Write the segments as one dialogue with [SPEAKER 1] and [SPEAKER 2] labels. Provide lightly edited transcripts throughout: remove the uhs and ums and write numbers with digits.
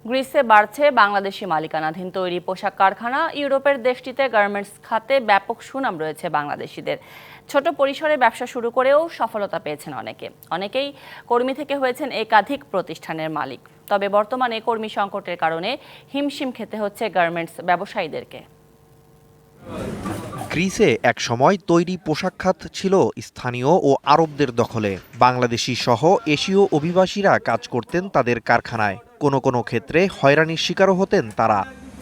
[SPEAKER 1] গ্রিসে বাড়ছে বাংলাদেশি মালিকানাধীন তৈরি পোশাক কারখানা। ইউরোপের দেশটিতে গার্মেন্টস খাতে ব্যাপক সুনাম রয়েছে বাংলাদেশিদের। ছোট পরিসরে ব্যবসা শুরু করেও সফলতা পেয়েছেন অনেকেই কর্মী থেকে হয়েছেন একাধিক প্রতিষ্ঠানের মালিক। তবে বর্তমানে কর্মী সংকটের কারণে হিমশিম খেতে হচ্ছে গার্মেন্টস ব্যবসায়ীদেরকে।
[SPEAKER 2] গ্রিসে এক সময় তৈরি পোশাক খাত ছিল স্থানীয় ও আরবদের দখলে। বাংলাদেশি সহ এশীয় অভিবাসীরা কাজ করতেন তাদের কারখানায়। কোনো ক্ষেত্রে হয়রানির শিকারও হতেন তারা।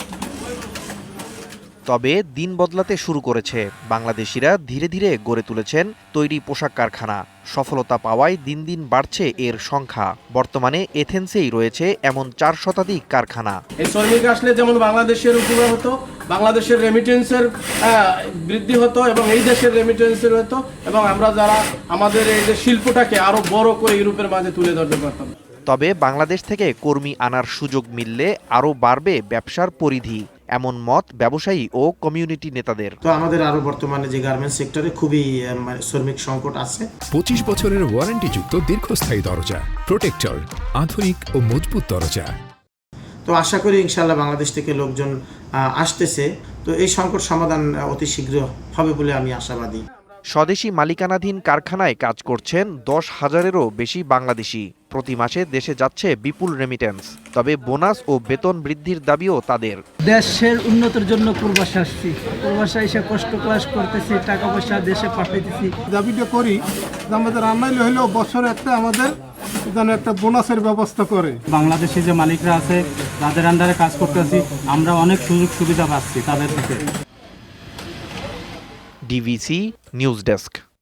[SPEAKER 2] তবে দিন বদলাতে শুরু করেছে। বাংলাদেশিরা ধীরে ধীরে গড়ে তুলেছেন তৈরি পোশাক কারখানা। সফলতা পাওয়ায় দিন দিন বাড়ছে এর সংখ্যা। বর্তমানে এথেন্সেই রয়েছে এমন 4 শতাধিক কারখানা।
[SPEAKER 3] এই শ্রমিক আসলে যেমন বাংলাদেশের উপকার হতো, বাংলাদেশের রেমিটেন্সের বৃদ্ধি হতো এবং এই দেশের রেমিটেন্সের হতো, এবং আমরা যারা আমাদের এই যে শিল্পটাকে আরো বড় করে ইউরোপের মাঝে তুলে ধরতে পারতাম।
[SPEAKER 2] তবে বাংলাদেশ থেকে কর্মী আনার সুযোগ মিললে আরও বাড়বে ব্যবসার পরিধি, এমন মত ব্যবসায়ী ও কমিউনিটি নেতাদের।
[SPEAKER 4] তো আমাদের আরো বর্তমানে যে গার্মেন্টস সেক্টরে খুবই শ্রমিক সংকট আছে।
[SPEAKER 5] 25 বছরের ওয়ারেন্টিযুক্ত দীর্ঘস্থায়ী দরজা প্রোটেক্টর, আধুনিক ও মজবুত দরজা।
[SPEAKER 4] তো আশা করি ইনশাআল্লাহ বাংলাদেশ থেকে লোকজন আসতেছে, তো এই সংকট সমাধান অতি শীঘ্র হবে বলে আমি আশাবাদী।
[SPEAKER 2] স্বদেশি মালিকানাধীন কারখানায় কাজ করছেন 10,000-এরও বেশি বাংলাদেশি। প্রতি মাসে দেশে যাচ্ছে বিপুল রেমিটেন্স। তবে বোনাস ও বেতন বৃদ্ধির দাবিও তাদের।
[SPEAKER 6] দেশের উন্নতির জন্য প্রবাসে আসছি, প্রবাসে এসে কষ্ট ক্লাস করতেছি, টাকা পয়সা দেশে পাঠাইতেছি।
[SPEAKER 7] দাবিটা করি যে আমাদের আনাইলে হলেও বছরে আমাদের যেন একটা বোনাসের ব্যবস্থা করে।
[SPEAKER 6] বাংলাদেশে যে মালিকরা আছে তাদের আন্ডারে কাজ করতেছি, আমরা অনেক সুযোগ সুবিধা পাচ্ছি তাদের থেকে।
[SPEAKER 2] DVC news desk.